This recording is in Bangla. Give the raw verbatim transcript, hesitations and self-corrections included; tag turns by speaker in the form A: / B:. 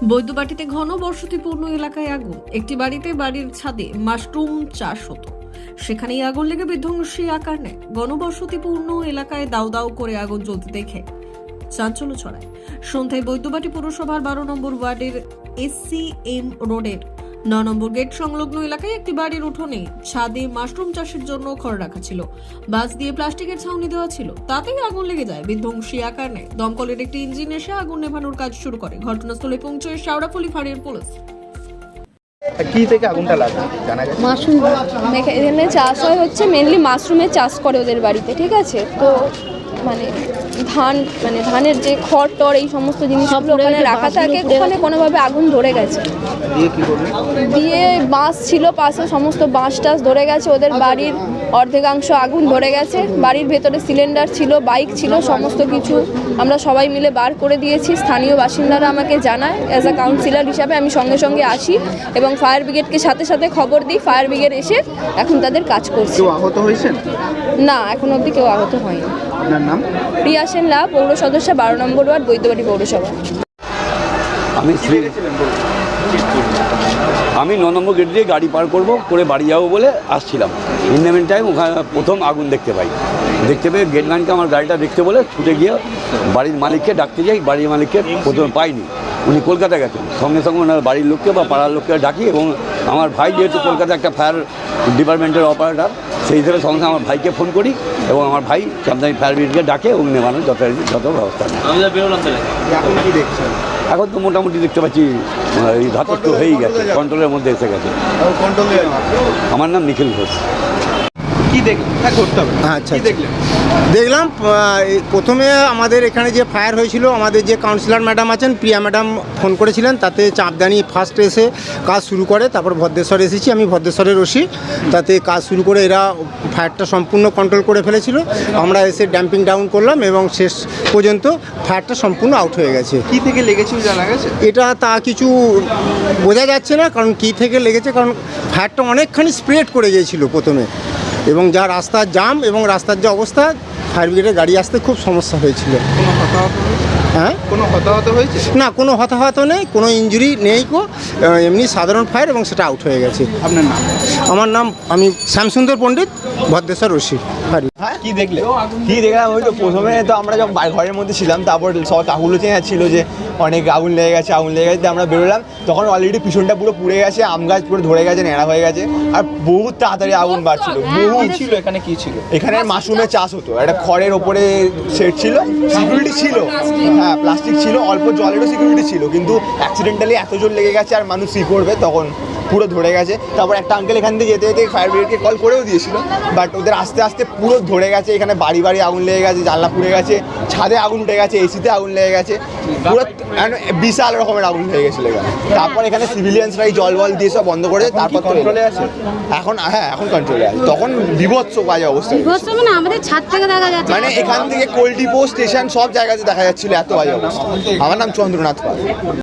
A: বৈদ্যবাটিতে ঘন বসতিপূর্ণ এলাকায় আগুন। একটি বাড়িতে বাড়ির ছাদে মাশরুম চাষ হতো, সেখানেই আগুন লেগে বিধ্বংসী আকার নেয়। ঘনবসতিপূর্ণ এলাকায় দাউ দাউ করে আগুন জ্বলতে দেখে চাঞ্চল্য ছড়ায়। সন্ধ্যায় বৈদ্যবাটি পুরসভার বারো নম্বর ওয়ার্ডের এসসি এম রোডের ন নম্বর গেট সংলগ্ন এলাকায় একটি বাড়ির উঠোনে ছাদে মাশরুম চাষের জন্য খড় রাখা ছিল। বাঁশ দিয়ে প্লাস্টিকের ছাউনি দেওয়া ছিল, তাতেই আগুন লেগে যায়, বিধ্বংসী আকার নেয়। দমকলের একটি ইঞ্জিন এসে আগুন নেভানোর কাজ শুরু করে। ঘটনাস্থলে পৌঁছয় শাওড়াফুলি ফাঁড়ির পুলিশ।
B: কি থেকে আগুনটা লাগে জানা গেছে?
C: মাশরুম এখানে চাষ হয় হচ্ছে মেনলি মাশরুমের চাষ করে ওদের বাড়িতে, ঠিক আছে। তো মানে ধান মানে ধানের যে খড় টড় এই সমস্ত জিনিসগুলো ওখানে রাখা থাকে, ওখানে কোনোভাবে আগুন ধরে গেছে।
B: দিয়ে কি করবে?
C: দিয়ে বাঁশ ছিল পাশে, সমস্ত বাঁশ টাস ধরে গেছে। ওদের বাড়ির অর্ধেকাংশ আগুন ধরে গেছে। বাড়ির ভেতরে সিলিন্ডার ছিল, বাইক ছিল, সমস্ত কিছু আমরা সবাই মিলে বার করে দিয়েছি। স্থানীয় বাসিন্দারা আমাকে জানায়, অ্যাজ আ কাউন্সিলর হিসাবে আমি সঙ্গে সঙ্গে আসি এবং ফায়ার ব্রিগেডকে সাথে সাথে খবর দিই। ফায়ার ব্রিগেড এসে এখন তাদের কাজ করছে।
B: কেউ আহত হয়েছেন?
C: না, এখন অবধি কেউ আহত হয়নি।
B: আপনার নাম?
C: প্রিয়া সেন লা, পৌর সদস্য, বারো নম্বর ওয়ার্ড, বৈদ্যবাটি পৌরসভা।
D: আমি শ্রী আমি ন নম্বর গেট দিয়ে গাড়ি পার করব করে বাড়ি যাবো বলে আসছিলাম। ইন দ্য মিন টাইম ওখানে প্রথম আগুন দেখতে পাই। দেখতে পেয়ে গেটম্যানকে আমার গাড়িটা দেখতে বলে ছুটে গিয়ে বাড়ির মালিককে ডাকতে যাই। বাড়ির মালিককে প্রথমে পাইনি, উনি কলকাতা গেছেন। সঙ্গে সঙ্গে ওনার বাড়ির লোককে বা পাড়ার লোককে ডাকি এবং আমার ভাই যেহেতু কলকাতা একটা ফায়ার ডিপার্টমেন্টের অপারেটর, সেই হিসেবে সঙ্গে সঙ্গে আমার ভাইকে ফোন করি এবং আমার ভাই চামদানি ফায়ার ব্রিগেডকে ডাকে এবং নেওয়ানোর যত যত ব্যবস্থা নেয়।
B: এখন কি দেখছেন?
D: এখন তো মোটামুটি দেখতে পাচ্ছি এই ধাতস্থ হয়েই গেছে, কন্ট্রোলের মধ্যে এসে গেছে। আমার নাম নিখিল ঘোষ।
B: কি দেখলেন? হ্যাঁ, করতে হবে।
E: আচ্ছা,
B: কি দেখলেন?
E: দেখলাম প্রথমে আমাদের এখানে যে ফায়ার হয়েছিল, আমাদের যে কাউন্সিলর ম্যাডাম আছেন, প্রিয়া ম্যাডাম ফোন করেছিলেন, তাতে চাঁদদানি ফার্স্ট এসে কাজ শুরু করে। তারপর ভদ্রেশ্বর এসেছি, আমি ভদ্রেশ্বরের ওসি, তাতে কাজ শুরু করে এরা ফায়ারটা সম্পূর্ণ কন্ট্রোল করে ফেলেছিল। আমরা এসে ড্যাম্পিং ডাউন করলাম এবং শেষ পর্যন্ত ফায়ারটা সম্পূর্ণ আউট হয়ে গেছে।
B: কি থেকে লেগেছিল জানা গেছে?
E: এটা তা কিছু বোঝা যাচ্ছে না, কারণ কী থেকে লেগেছে, কারণ ফায়ারটা অনেকখানি স্প্রেড করে গিয়েছিল প্রথমে, এবং যা রাস্তার জাম এবং রাস্তার যে অবস্থা, ফায়ার ব্রিগেডের গাড়ি আসতে খুব সমস্যা হয়েছিল।
B: কোনো হতাহত হয়েছে?
E: হ্যাঁ,
B: কোনো হতাহত হয়েছে?
E: না, কোনো হতাহত নেই, কোনো ইনজুরি নেই কো, এমনি সাধারণ ফায়ার এবং সেটা আউট হয়ে গেছে।
B: আপনার নাম?
E: আমার নাম আমি শ্যামসুন্দর পণ্ডিত, ভদ্রেশ্বর ওসি।
B: হ্যাঁ, কি দেখলে?
F: কি দেখলাম, ওই তো প্রথমে তো আমরা যখন ঘরের মধ্যে ছিলাম, তারপর সব কাকুলো চেয়ে ছিল যে অনেক আগুন লেগে গেছে আগুন লেগে গেছে আমরা বেরোলাম, তখন অলরেডি পিছনটা পুরো পুড়ে গেছে, আম গাছ পুরো ধরে গেছে, ন্যাড়া হয়ে গেছে, আর বহুত তাড়াতাড়ি আগুন বাড়ছিল। বহু
B: ছিল এখানে, কি ছিল?
F: এখানে মাশরুমের চাষ হতো, একটা খড়ের ওপরে সেট ছিল, সিকিউরিটি ছিল, হ্যাঁ প্লাস্টিক ছিল, অল্প জলেরও সিকিউরিটি ছিল, কিন্তু অ্যাক্সিডেন্টালি এত জোর লেগে গেছে আর মানুষ সি করবে, তখন পুরো ধরে গেছে। তারপর একটা আঙ্কেল এখান থেকে যেতে যেতে ফায়ার ব্রিগেডকে কল করেও দিয়েছিল, বাট ওদের আস্তে আস্তে পুরো ধরে গেছে। এখানে বাড়ি বাড়ি আগুন লেগে গেছে, জানলা পুড়ে গেছে, ছাদে আগুন উঠে গেছে, এসিতে আগুন লেগে গেছে, পুরো বিশাল রকমের আগুন হয়ে গেছিলো এখানে। তারপর এখানে সিভিলিয়ানসরাই জল বল দিয়ে সব বন্ধ করে তারপর
B: কন্ট্রোলে আছে
F: এখন। হ্যাঁ, এখন কন্ট্রোলে আছে। তখন বিভৎস বাজে অবস্থা,
G: মানে আমাদের ছাদ থেকে দেখা যাচ্ছে,
F: মানে এখান থেকে কোল্ডিপো স্টেশন সব জায়গাতে দেখা যাচ্ছিল, এত বাজে অবস্থা। আমার নাম চন্দ্রনাথ পাল।